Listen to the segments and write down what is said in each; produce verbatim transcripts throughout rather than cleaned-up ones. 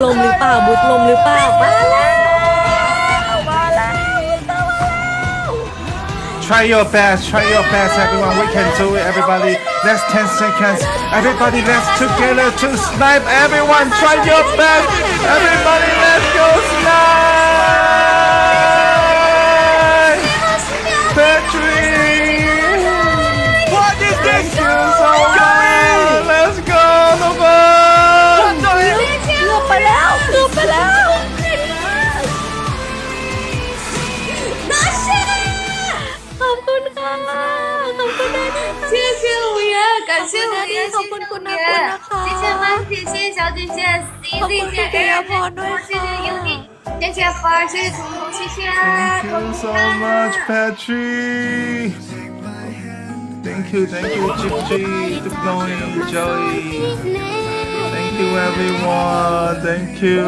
ลมหรือเปล่าบุดลมหรือเปล่ามาแล้วมาแล้ว Try your best, try your best, everyone. We can do it, everybody. Last ten seconds. Everybody, let's together to snipe. Everyone, try your best. Everybody, let's go snipe. Patrick, what is this? Thank you so much. Let's go, Nova. เกือบไปแล้วเกือบไปแล้วขอบคุณค่ะขอบคุณนะ谢谢五爷，感谢五爷，谢谢五爷，谢谢 Monkey，谢谢小姐姐，C 姐姐 A， 谢谢 Uni， 谢谢花儿，谢谢彤彤，谢谢。 Thank you so much, Patrick. Thank you, thank you, Gigi, Duploy, Joey. Thank you, everyone. Thank you.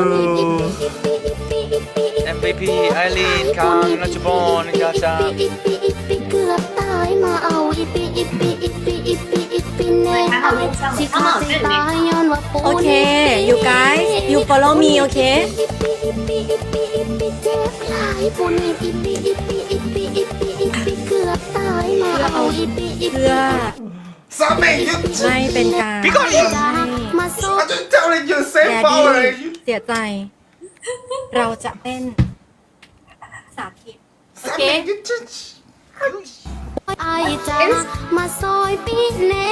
เอ็ม วี พี ไอรีนคังนัชบอนกาจาเกือบตายมาเอาอีปีอีปีอีปีอีปีอีปีแน่ไอ้สิขาดใจตายย้อนว่าปูโอเค you guys you follow me โอเคอีปีอีปีอีปีอีปีเจ็บหลายปูนี่อีปีอีปีอีปีอีปีอีปีเกือบตายมาเอาอีปีอีปีเพื่อ Sammy, you ไม่เป็นการมาสู้ I'm just telling you, แด save ด power. ดี้เสียใจ เราจะเต้นสาธิต Sammy, you just. ไอ้จ้ามาซอยปีแน่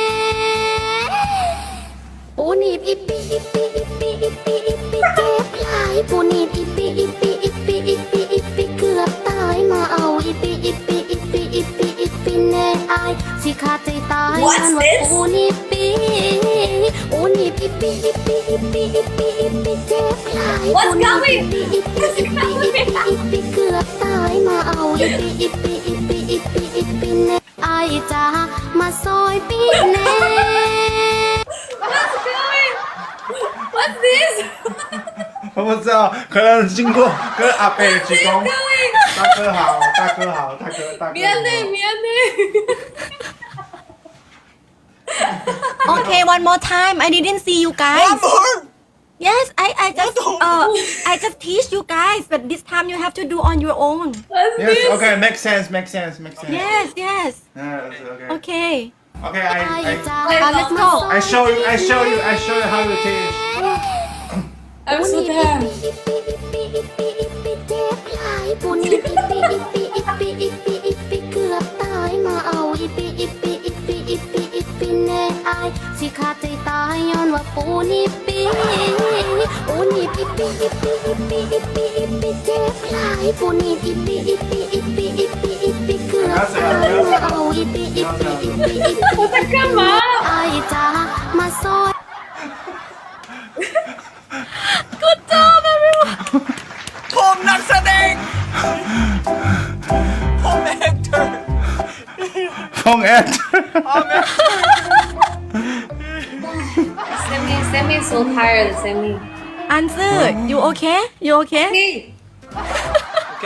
ปูนี่อีปีอีปีอีปีอีปีอีปีเจ็บหลายปูนี่อีปีอีปีอีปีอีปีอีปีเกือบตายมาเอาอีปีอีปีอีปีอีปีอีปีแน่ไอ้สิขาดใจตายฉันว่าปูนี่ปีปูนี่อีปีอีปีอีปีอีปีอีปีเจ็บหลายปูนี่อีปีอีปีอีปีอีปีอีปีเกือบตายมาเอาอีปีอีปีอีปีอีปีอีปีแน่ไอ้จ้ามาซอยปีแน่ What's this? 我不知道，可能经过跟阿北鞠躬。大哥好，大哥好，大哥大哥。 免内免内。 โอเค one more time I didn't see you guys yes I I just uh I just teach you guys but this time you have to do on your own What's Yes, this? okay, makes sense, makes sense, makes sense. yes yes Yes, okay. okay Okay, I, I, uh, let's go I show you, I show you, I show you how to teach. I'm so tired. ปูนี่อีปีอีปีอีปีอีปีอีปีเกือบตายมาเอาอีปีอีปีอีปีอีปีอีปีแน่ไอ้สิขาดใจตายย้อนว่าปูนี่ปีปูนี่อีปีอีปีอีปีอีปีอีปีเจ็บหลายปูนี่อีปีอีปีอีปีอีปีอีปีเกือบตายมาเอาอีปีอีปีอีปีอีปี我在干嘛？ ไอ้จ้ามาซอย good job everyone ผมนักแสดงผมแอคเตอร์ Phong Ed. Sammy, Sammy is so tired. Sammy. answer you okay you okay Hey. โอเค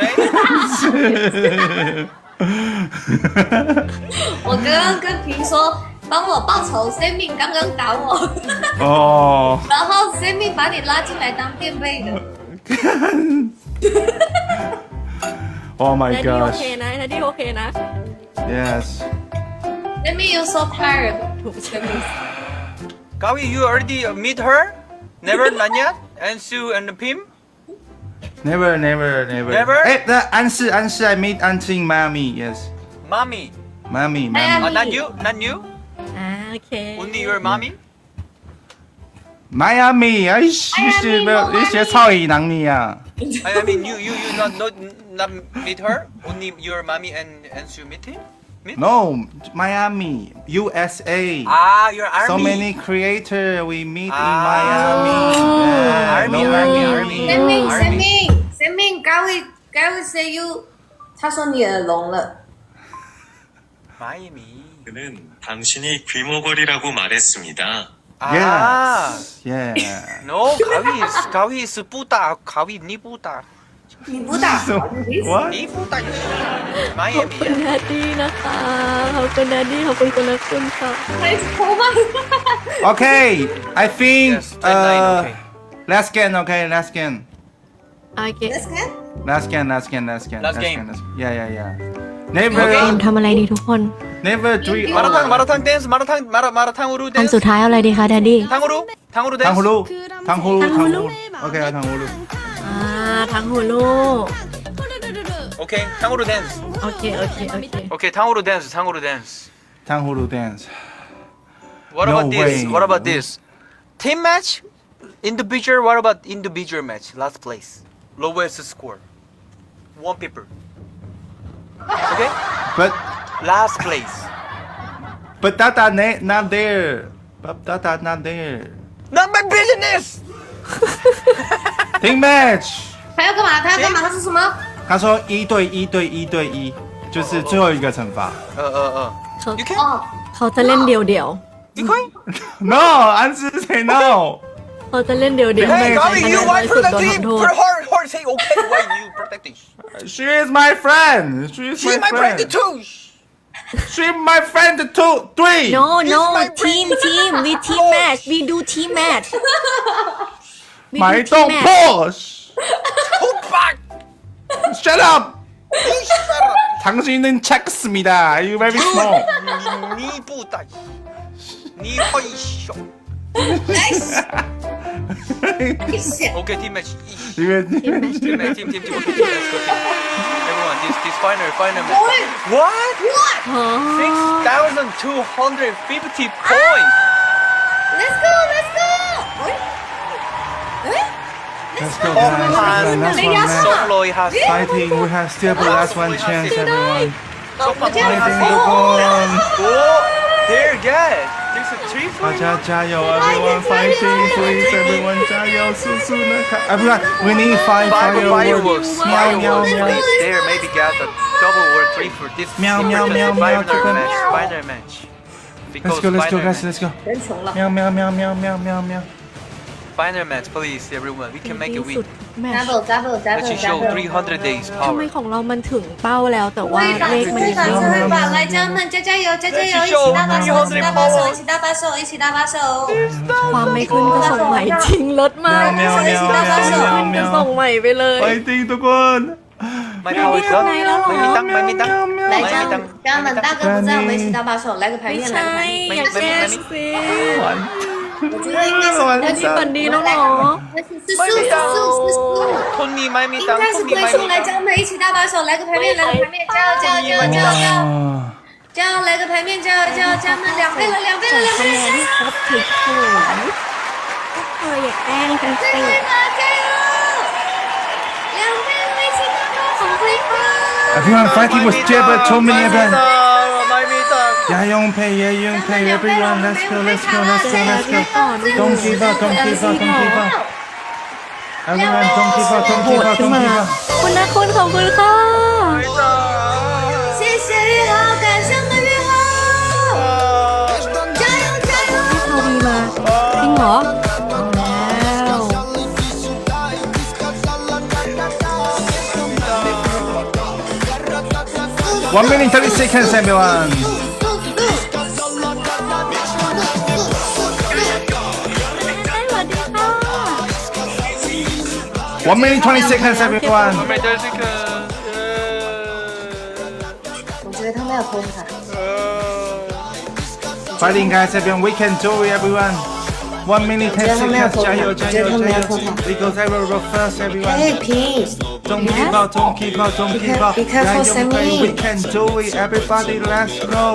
我刚刚跟平说，帮我报仇。Sammy 刚刚打我， 哦， 然后 Sammy 把你拉进来当垫背的。 Oh my นาดีโอ gosh. เคนะนาดีโอเคนะ Yes. Sammy, you're so tired. Sammy. Gawi you already meet her never not yet and Sue and Pim Never, never, never. Never? Eh, the answer, answer. I meet auntie in Miami. Yes, mommy Miami, Miami. Miami. oh, not you not you อ่าโอเค only your mommy Miami. 哎，是是没有，你学超语能你啊？ I I mean you you you not not not meet her only your mommy and and Sue meet him meet No, Miami, U S A. ah your army So many creator we meet in Ah. Miami. Yeah, Army, no army, worries. army. Sammy, Army. Sammy, Sammy, 该会该会 say you，他说你耳聋了。 Miami 그는 당신이 귀머거리라고 말했습니다. ah Yes, yeah. no Gawi is Gawi is puta Gawi ni puta 你不打， So, what? ni puta ขอบ Miami คุณนาดีนะคะขอบคุณนาดีขอบคุณคุณนักคุณค่ะ还是头发。 Okay, I think yes twenty-nine uh, okay last scan okay last scan โอเค Let's go. last scan last scan last scan Last game. scan, last- yeah yeah yeah never เกมทำอะไรดีทุกคน never dream 마라탕 마라탕 댄스 마라탕 마라 마라탕으로 อัน 댄스 สุดท้ายเอาอะไรดีคะแดดดี้ 탕후루 탕후루 댄스 탕후루 탕후루 탕후루? 오케이 탕후루 อ่าทั้งหูลูก 오케이 탕후루 댄스 โอเคโอเคโอเค 오케이 탕후루 댄스 탕후루 댄스 탕후루 dance What No about this way. What about this Team match individual What about individual match last place lowest score one people Okay but last place but Tata na- not there but Tata not there Not my business team match 他要干嘛？他要干嘛？他说什么？ 他说一对一对一对一就是最后一个惩罚 어 어어 เขา You can 哦， เขาจะเล่นเดียวเดียว You can no 安之 say no เขาจะเล่นเดียวเดียว Hey Gabby คะแน you นน้อ why ยสุดโดน protecting ทำโทษ her her her say okay why you protecting she is my friend she is She's my my friend friend too she my friend two three no no my team team we team match we do team match we 买 do 动 team match push 호박 shut up You shut up 당신은 작습니다 you very small 니보다 니 훨씬 오케이 팀 매치 이거 팀 매치 팀 팀 팀 오케이 팀 let's go team everyone this this final final match What อ๋อ six thousand two hundred fifty points Let's go, let's go. let's go guys 한 last one last 솔로이 하스 fighting we have still the last one chance everyone 소파 fighting 하스 두분 오 they're good this is three for you 大家加油 everyone fighting please everyone 加油速速的看 everyone we need five Five fireworks fireworks, 喵喵 fireworks, 喵 please. There, maybe get the double or three for this. Meow, super meow, just meow, meow, final chicken. match, final match. let's go let's go final guys match. let's go 人穷了。 喵喵喵喵喵喵喵 Final match, please, everyone. We can make a ที่สุ win. ดแมตช์ Double, double, Let's double, show double. three hundred days ทำไม power. ของเรามันถึงเป้าแล้วแต่ว่า会吧， เลขมัน会ยัง吧， ไม่会มา吧！来，家人们，加加油，加加油，一起搭把手，一起搭把手，一起搭把手，一起搭把手。 ความไม่ขึ้นก็ส่งใหม่จริงรถมาก喵喵喵喵喵ส่ง喵ใหม่ไปเลย fighting ทุกคน My power is up. Này nó My hả? mitang, my mitang, 来， my 家 mitang. 家人们，大哥不在，我们一起搭把手，来个牌ไม่面， ใช่来个牌面。 อย่าแกล้งสิ我觉得应该是อันนี้ฝันดีแล้วเหรอ是是素是素是素。 Tony, my 应 mitang, 该是 Tony, 龟 my 速，来， mitang. 家人们一起搭把手，来个牌面，来个牌面，加油加油加油加油加油！ 加油，来个牌面，加油加油加油！们两倍了，两倍了，两倍คะแน了！ นที่ครบถึงศูนย์ก็เคยอย่าแกล้งกันสิ对吧？加油！两倍了，一起搭把手，对吧？ everyone fighting with Jabba two My million everyone mitang, my mitang. 亚勇培亚勇培 everyone let's go let's go let's go let's go don't give up don't give up don't give up everyone don't give up don't โห give ด up ขึ้น don't มา give up คุณนะคุณขอบคุณค่ะ谢谢玉豪，感谢我们玉豪，加油加油！ พาวีมาจริงเหรอเอาแล้ว one minute thirty seconds everyone สวัสดีค่ะ one minute twenty seconds everyone My third second. 我觉得他们要偷他。 fighting guys everyone we can do it everyone one minute ten seconds 加油加油加油 we go zero first everyone 哎，Pin， don't give up don't give up don't give up Be careful, 加油 Sammy. we can do it everybody let's go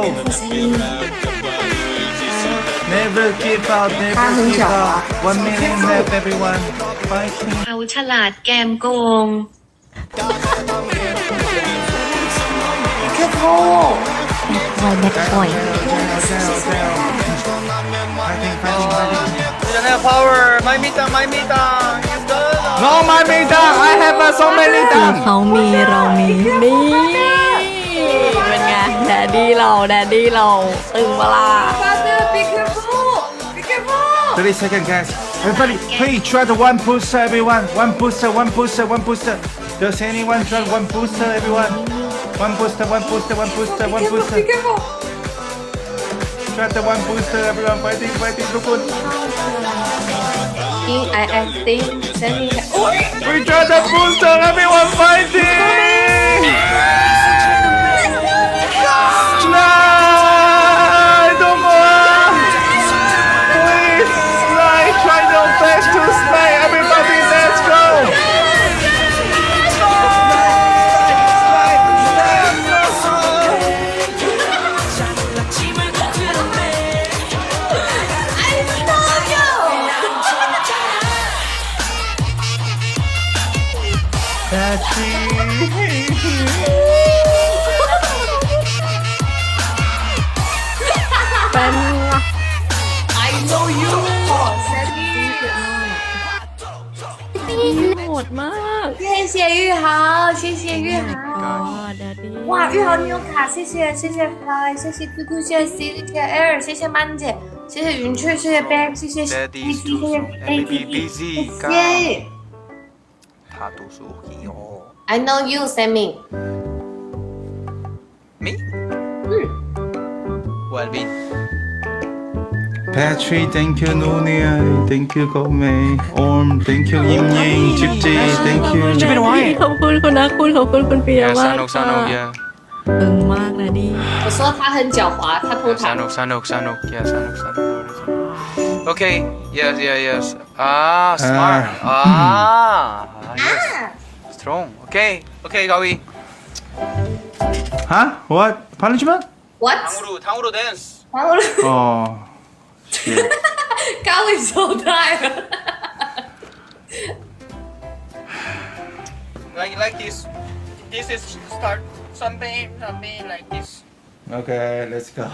never give up never give up one minute left everyone fighting เขาฉลาดแกมโกง别偷！ ไวแบ็คพอยต์ fighting fighting fighting You don't have power. My mitang, my mitang. It's done. no my meta I have uh, so many คือ times เขามีเรามีนี่เป็นไงแดดดี้เราแดดดี้เราตึงเวลา Father, be careful! Be careful! thirty seconds guys everybody please try the one booster everyone one booster one booster one booster does anyone try one booster everyone one booster one booster one booster one booster Be careful! try the one booster everyone fighting fighting ทุกคน think I I think Sammy. Oh, We got the booster. Everyone fighting. No, don't go on. Please, slide. Try your best to slide. Everybody, let's go. I know you. Sammy. โหดมาก谢谢玉豪，谢谢玉豪。 Daddy 哇，玉豪你有卡，谢谢谢谢 Fly，谢谢 Q Q， 谢谢 C， 谢谢 Air， 谢谢曼姐，谢谢云雀，谢谢 Beck， 谢谢 Daddy B C， 谢谢 A B B， busy 谢谢。 他读书哦。 I know you, Sammy。 Me? 嗯。 What I mean? Patrick, thank you, Nunia. Thank you, Gome. Orm, thank you, Yim Ying. Chipji, thank you. จะเป็นวายขอบคุณคุณนะคุณขอบคุณคุณปิยะ Yeah, มาก Sanok, ค่ะ Sanok, yeah. ตึงมากนะดิ我说他很狡猾，他偷 Yeah, 塔。 Sanok, Sanok, Sanok. Yeah, Sanok, Sanok. Okay. Yes, yeah, yes. Ah, smart. Ah, yes. Strong. Okay. Okay, Gawi. Huh? What? Punishment? What？ 탕후루, 탕후루 dance. Oh, shit. 高伟收带了。 Like, like this. This is start something, something like this. Okay, let's go.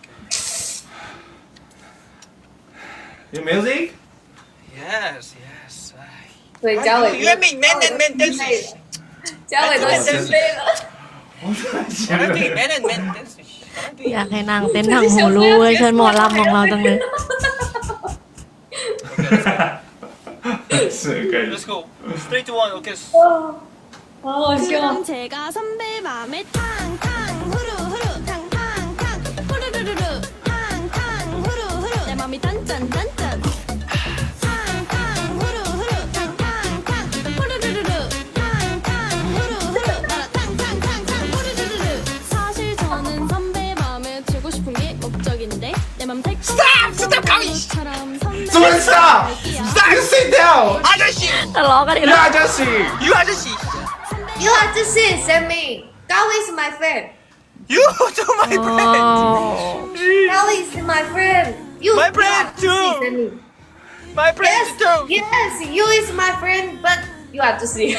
Your music? Yes, yes. 对，嘉伟。 You and me, man and man dancing. 嘉伟都生飞了。 Sharanti, man and man dancing. อยากให้นางเต้นทางหูรูเวอร์ชันหมอลำของเราจังเลย So good. Let's go. Three, two, one. Okay. 好好笑。 그럼 제가 선배 맘에 탕탕 후루후루 탕탕탕 후루루루루 탕탕 후루후루 내 맘이 단짠단짠 탕탕 후루후루 탕탕탕 후루루루루 탕탕 후루후루 나라 탕탕탕탕 후루루루루 사실 저는 선배 맘에 들고 싶은 게 목적인데 내 맘 달콤한 선배처럼 선배 Someone stop! Stop! Sit down! 아저씨! ทะเลาะกันอีก You แล้ว 아저씨! You 아저씨! You are just it, Sammy. Gao is my friend. You to my friend! Gao is my friend. You My you friend are just too. it, Sammy. My friend Yes, too! yes, you is my friend, but you are just it.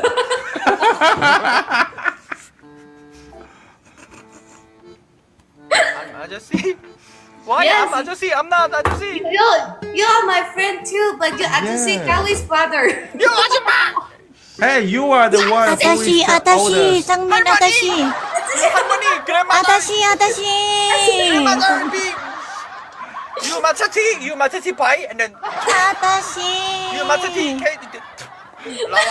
I'm 아저씨? Why Yes. I'm 아저씨? I'm not 아저씨! You you are my friend too, but you are just it. Yeah. Gao is brother. You 아줌마! Hey, you are the one who อาตา is ชิ the อาตาชิ oldest. จังมินอาตาชิ You 할머니! อา grandmother! ตาชิอาตาชิ grandmother! big. You 마차티! You 마차티 pie and then อาตาชิ you 마차티 cake. 라와.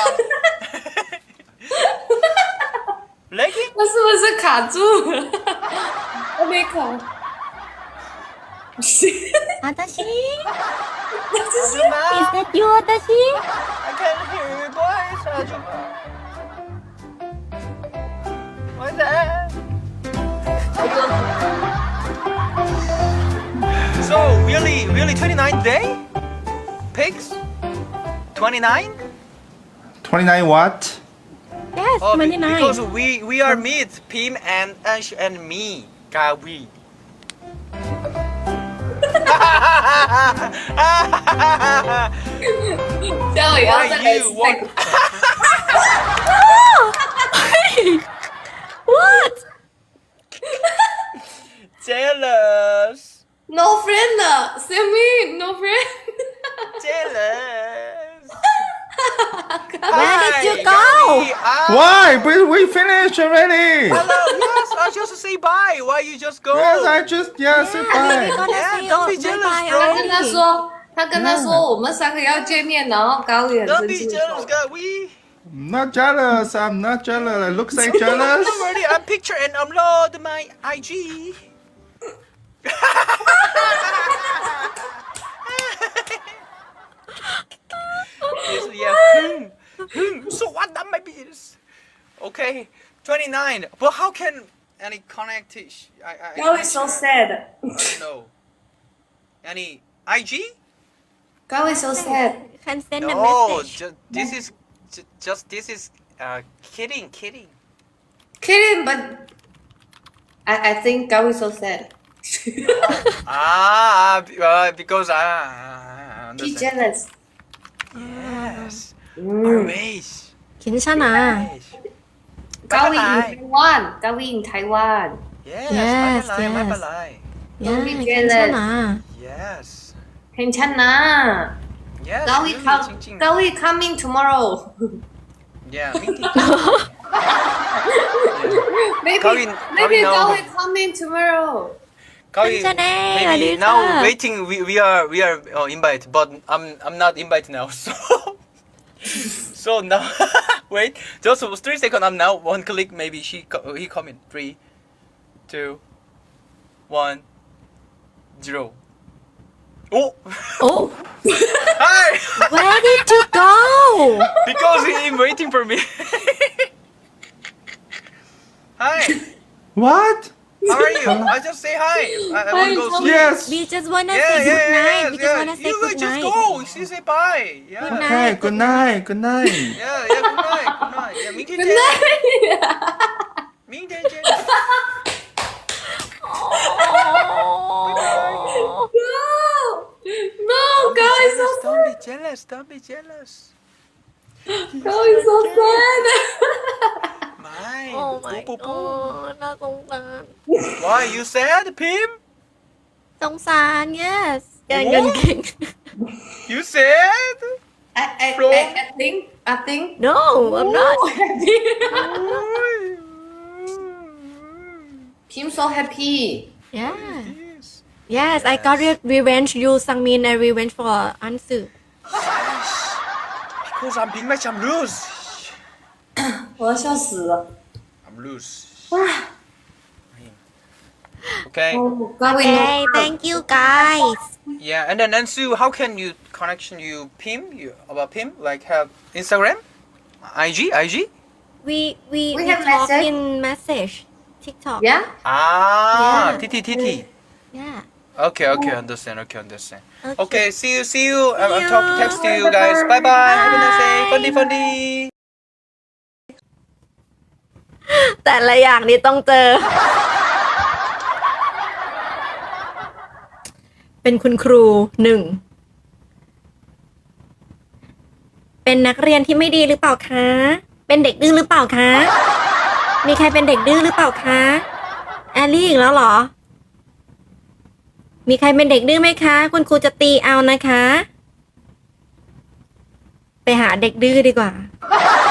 legging? 我是不是卡住了？我没卡。不是， อาตาชิ 아줌마! Is that you อาตาชิ I can hear your voice, 아줌마. What's that? So really, really twenty-nine day? Pigs? twenty-nine? twenty-nine what? Yes Oh, be- twenty-nine because we we are meet, Pim and Ash and me, Gawi. 这样也要 Why 再来 you 再 want? What Jealous, No friend 了，Sammy no friend。 jealous. Where did you Hi, go? Gawi. Ah, Why? We, we finished already! hello. Yes, I just say bye. Why you just go? Yes, I just, yeah, say We bye. gonna Yeah, say don't be oh, jealous, bye-bye bro. 他跟他 already 说，他跟他说我们三个要见面，然后高远 Don't 生 be 气。 jealous, Gawi. I'm not jealous. I'm not jealous. I look like jealous. Don't worry, I'm picture and upload my I G. Yes, yeah. Hmm. Hmm. So what? That might be. Okay. twenty-nine. But how can any connect? I, I, I Gao is so sad. I don't know. Any I G? Gao is so sad. Can send a No, message just this is ju- just this is uh kidding, kidding. Kidding, but I I think Gao is so sad. Ah, b- uh, because I, I He understand. jealous. Yes. Mm. Amazed. 괜찮아 Amazed. Gao in Bye-bye. Taiwan. Gao in Taiwan. Yes. Yes, my yes. my lie. 야 Don't be jealous. 괜찮아 Yes. 괜찮아. Yes. Gao really, is come. 징징. Gao is coming tomorrow. Yeah. Me too. Maybe Gao-in- maybe Gao-in Gao now. is coming tomorrow. Gawi, 괜찮아, maybe 어디서? now waiting. We, we are we are uh, invited, but I'm I'm not invited now. So so now wait, just three seconds. I'm now one click. Maybe she co- he come in three, two, one, zero. Oh, Oh hi! where did you go Because he is waiting for me. Hi, What? how are you? I just say hi. I, I want to go sleep. Yes. we just wanna Yeah, say yeah, good night yeah, we yeah. just wanna say You good just night go. She say bye. Yeah. Good night. Okay, good night, good night. Yeah, yeah, good night, good night. Yeah,明天见。明天见。 oh. No, no, Gao is so Don't be jealous. Don't be jealous. Gao is so sad. Mine. Oh my Boo, boo, boo. god น่าสงสาร Why you sad, Pim? สงสาร yes แกเงินเก่ง You sad? I, I, Bro. I, I think I think no I'm not Kim so happy. yeah Yes. yes I got re- revenge you Sangmin and revenge for Ansu Because I'm big match, I'm lose. 我要笑死了。 I'm lose. Okay. Oh, Gao is okay no thank you guys Yeah, and then Nansu, how can you connection you Pim you about Pim like have Instagram, I G, I G? we we We we have talk message. in message TikTok Yeah. Ah, Yeah. T T T T. yeah Okay, okay, understand. Okay, understand. Okay. Okay, see you, see you. I'm, I'm you. talk, text to you guys. Bye bye. Have a nice day. Fundy, fundy. แต่ละอย่างนี้ต้องเจอ เป็นคุณครูหนึ่ง เป็นนักเรียนที่ไม่ดีหรือเปล่าคะ เป็นเด็กดื้อหรือเปล่าคะ มีใครเป็นเด็กดื้อหรือเปล่าคะแอลลี่อีกแล้วเหรอ มีใครเป็นเด็กดื้อไหมคะ คุณครูจะตีเอานะคะ ไปหาเด็กดื้อดีกว่า